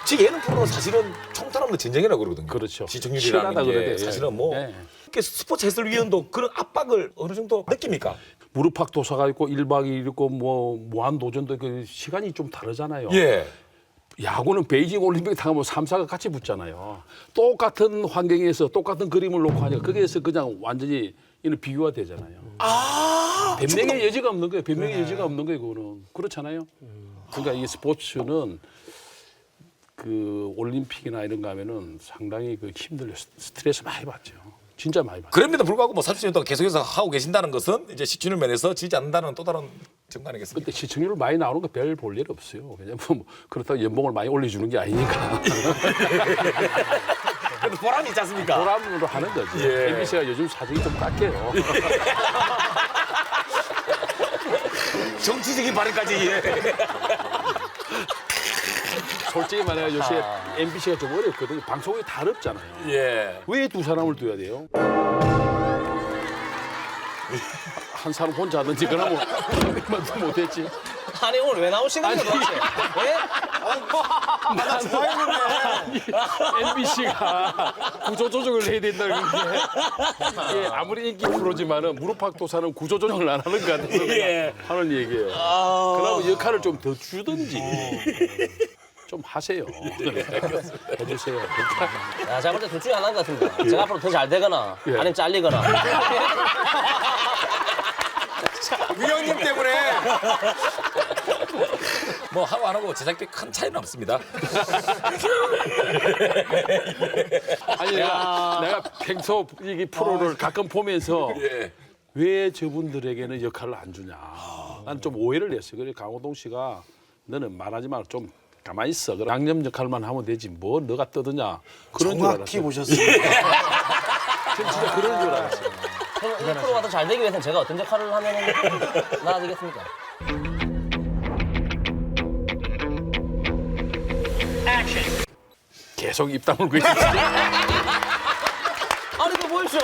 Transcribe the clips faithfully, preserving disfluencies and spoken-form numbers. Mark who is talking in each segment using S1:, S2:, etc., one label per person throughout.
S1: 즉 예능 프로는 사실은 총탄 없는 전쟁이라고 그러거든요.
S2: 그렇죠.
S1: 시청률이라는
S2: 치열하다
S1: 게
S2: 그래야 돼.
S1: 사실은 뭐
S2: 예.
S1: 이렇게 스포츠 해설위원도 그런 압박을 어느 정도 느낍니까?
S2: 무릎팍 도사가 있고 일박 이일 있고 뭐 무한 도전도 그 시간이 좀 다르잖아요.
S1: 예.
S2: 야구는 베이징 올림픽 타면 삼 사가 같이 붙잖아요. 똑같은 환경에서 똑같은 그림을 놓고 하니까 거기에서 그냥 완전히 이는 비교가 되잖아요.
S1: 아.
S2: 변명의 여지가 없는 거예요. 변명의 여지가 없는 거예요. 그거는 그렇잖아요. 그러니까 이 스포츠는 그 올림픽이나 이런 거 하면은 상당히 그 힘들어요. 스트레스 많이 받죠. 진짜 많이 받죠.
S1: 그럼에도 불구하고 뭐 삼십 년 동안 계속해서 하고 계신다는 것은 이제 시청률 면에서 지지 않는다는 또 다른 증거 아니겠습니까?
S2: 근데 시청률 많이 나오는 거 별 볼 일 없어요. 왜냐면 뭐 그렇다고 연봉을 많이 올려주는 게 아니니까.
S1: 그래도 보람이 있지 않습니까?
S2: 보람으로 하는 거지.
S1: 예.
S2: 엠비씨가 요즘 사정이 좀 깎여요.
S1: 정치적인 발언까지. 예.
S2: 솔직히 말해 요새 엠비씨가 좀 어렵거든요. 방송이 다 어렵잖아요.
S1: 예.
S2: 왜 두 사람을 둬야 돼요? 한 사람 혼자 하든지 그러면 얼마도 못했지.
S3: 아니 오늘 왜 나오신 거예요 도대체? 예?
S4: 나 좋아했는데.
S2: 엠비씨가 구조조정을 해야 된다는 게 예, 아무리 인기 프로지만은 무릎팍도사는 구조조정을 안 하는 것 같아서 그냥
S1: 예.
S2: 하는 얘기예요. 그러면 역할을 좀 더 주든지 좀 하세요. 해주세요.
S3: 야, 제가 볼 때 둘 중에 하나인 것 같습니다. 제가 앞으로 더 잘 되거나
S2: 예.
S3: 아니면 잘리거나.
S1: 위원님 때문에. 뭐 하고 안 하고 제작비 큰 차이는 없습니다.
S2: 아니 내가, 내가 평소 이 프로를 가끔 보면서
S1: 예.
S2: 왜 저분들에게는 역할을 안 주냐. 난 좀 오해를 했어요. 그래서 강호동 씨가 너는 말하지 말고 좀 가만히 있어. 그럼 양념 역할만 하면 되지. 뭐 너가 떠드냐. 그런 줄
S4: 정확히
S2: 알았어요.
S4: 보셨습니다.
S2: 전 진짜 그런 줄 알았어요.
S3: 그럼 이 프로가 더 잘 되기 위해서는 제가 어떤 역할을 하면 나아지겠습니까?
S2: 계속 입 다물고 있지.
S3: 아니 이거 보십시오.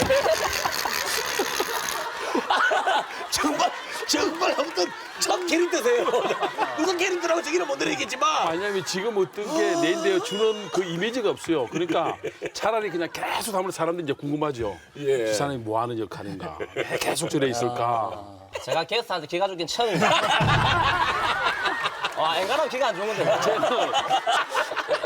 S1: 정말 정말 아무튼 첫 캐릭터세요. 무슨 캐릭터라고 저기는 못 드리겠지만.
S2: 왜냐면 지금 어떤 게 내인데요 주는 그 이미지가 없어요. 그러니까 차라리 그냥 계속 하면 사람들이 이제 궁금하죠.
S1: 예.
S2: 이 사람이 뭐 하는 역할인가. 왜 계속 저래 있을까.
S3: 제가 게스트한테 기가 죽긴 처음입니다. 와, 앵간하면 기가 안 좋은 건데.
S2: 저는